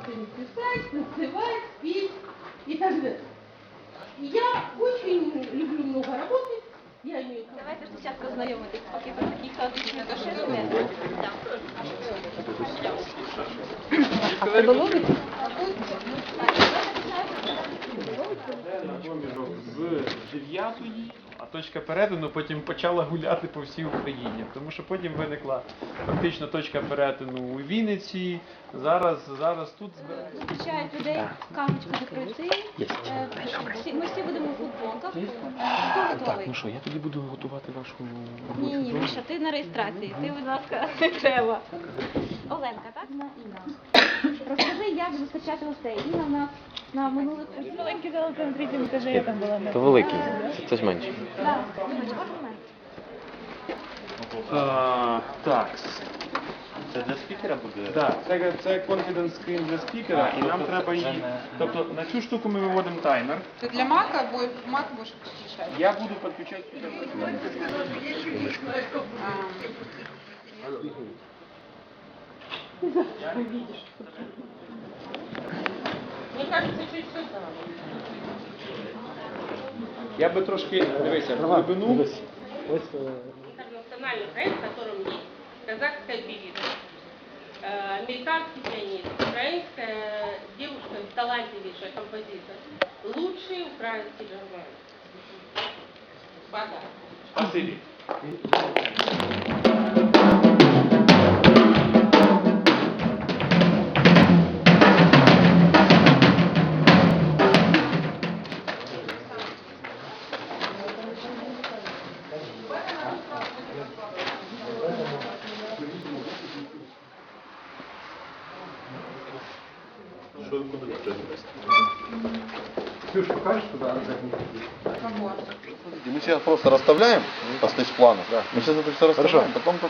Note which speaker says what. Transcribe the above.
Speaker 1: что-нибудь писать, танцевать, петь и так далее. Я очень люблю много работать. Я имею...
Speaker 2: Давайте спочатку знайомитись, поки ви такі хаотичні доширили. А це доловить?
Speaker 3: З 9-ї, а точка перетину потім почала гуляти по всій Україні. Тому що потім виникла фактично точка перетину у Вінниці. Зараз тут
Speaker 2: Зустрічають людей, кавочку не пройти. Ми всі будемо у футболках. Хто готовий?
Speaker 4: Ну що, я тоді буду готувати вашу
Speaker 2: Ні, Міша, ти на реєстрації. Ти, будь ласка, не треба. Оленка, так? Інна. Розкажи, як зустрічати гостей. Інна в нас на минулих
Speaker 5: Маленький зал на третьому етажі, я там була.
Speaker 4: То великий, це ж менше.
Speaker 2: Так, Дімочка, момент.
Speaker 3: так.
Speaker 6: Це для спікера буде?
Speaker 3: Так, це confidence screen для спікера, і нам треба її. Тобто на цю штуку ми виводимо таймер.
Speaker 5: Ты для Мака, Мак будешь подключать?
Speaker 3: Я буду підключати сюди.
Speaker 1: Мне кажется, чуть сюда.
Speaker 3: Я би трошки, дивися, в глибину.
Speaker 1: Интернациональный проект, в котором есть казахская певица, американский пианист, украинская девушка, талантливейшая композитор, лучший украинский джазмен. Подарок.
Speaker 3: Спасибі.
Speaker 6: Що ви куди прийдете?
Speaker 3: Ксюш, покажеш туди?
Speaker 6: Мы сейчас просто расставляем по стейдж-плану. Мы сейчас это все расставляем, потом